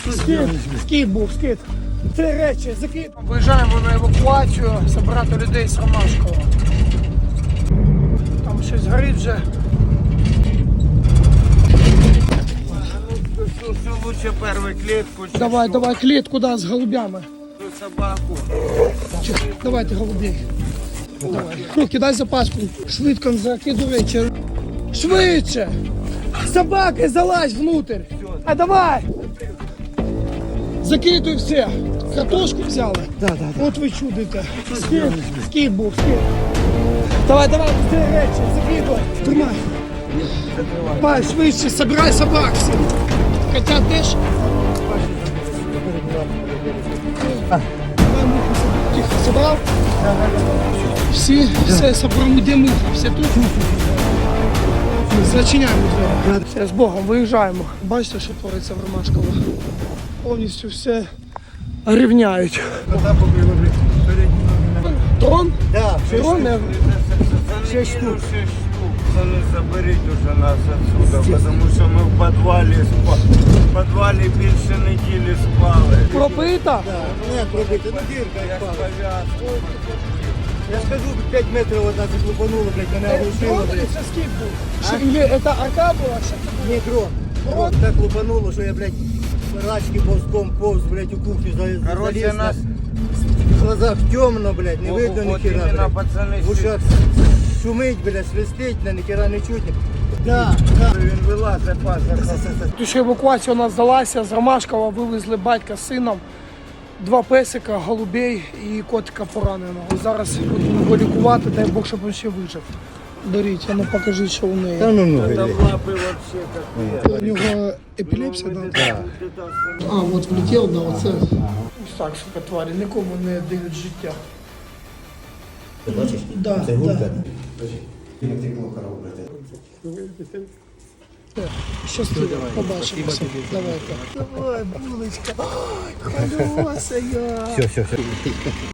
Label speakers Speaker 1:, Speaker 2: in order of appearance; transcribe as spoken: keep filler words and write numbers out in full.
Speaker 1: Скид, скид був, скид. Три речі, закид. Виїжджаємо на евакуацію, забирати людей з Ромашкова. Там щось горить вже.
Speaker 2: Что лучше первую клетку?
Speaker 1: Давай, давай, клітку, да, з голубями.
Speaker 2: Собаку.
Speaker 1: Чих, давайте голубей. Давай. Ну, кидай запаску. Швидко закиду речі. Швидше! Собаки, залазь внутрь. А давай! Закидуй все. Картошку взяли?
Speaker 2: Да, да, да.
Speaker 1: От ви чудите. Скид, скид був, скид. Давай, давай, быстрее речі, закидуй. Тримай. Давай, швидше, собирай собак всі. Котят теж. Давай, муху, тихо, собрав? Всі, все, собрав, де муха, все тут? Зачиняємо двері. Все, з Богом, виїжджаємо. Бачите, що твориться в Ромашково? Повністю все рівняють. Трон?
Speaker 2: Да,
Speaker 1: Трон? не-
Speaker 2: шесть штук. Пацаны, заберите уже нас отсюда, потому что мы в подвале спали. В подвале більше неділі спали.
Speaker 1: Пропита?
Speaker 2: Нет, пробити, ну дірка як пала. Я скажу, п'ять метрів одна заклупанула, блядь, мене оглушило,
Speaker 1: Трон
Speaker 2: блядь.
Speaker 1: це скид був? Що, є- Це арка була? Що?
Speaker 2: Не дрон. Дрон так лупануло, що я, блядь, рачки повзком повз, блядь, у кухню за-
Speaker 3: Короче,
Speaker 2: заліз.
Speaker 3: нас-
Speaker 2: В глазах темно, блядь, не
Speaker 3: Вот-
Speaker 2: видно
Speaker 3: вот
Speaker 2: ніхера,
Speaker 3: именно,
Speaker 2: блядь.
Speaker 3: пацаны,
Speaker 2: В ушах шумить, блядь, свистить, на ніхера не чутно. Да, да.
Speaker 3: Він вилазить паза.
Speaker 1: Тому що евакуація у нас здалася, з Ромашкова вивезли батька з сином, два песика, голубей і котика пораненого. Зараз будемо його лікувати, дай Бог, щоб він ще вижив. Беріть, а ну покажіть, що у неї.
Speaker 2: Та ну, ну,
Speaker 3: Там
Speaker 2: блядь.
Speaker 3: лапи вообще как
Speaker 1: У нього епілепсія, да?
Speaker 2: Да.
Speaker 1: А, от влетів, да, оце. Ось так, сука, тварі, нікому не дають життя.
Speaker 2: Ти бачиш?
Speaker 1: Да,
Speaker 2: Це гулька.
Speaker 1: да.
Speaker 2: Як текло корову, блядь.
Speaker 1: Щасливо, побачимося. Давайте. Давай, булочка. Ой, хвалюся я.
Speaker 2: Все, все, все.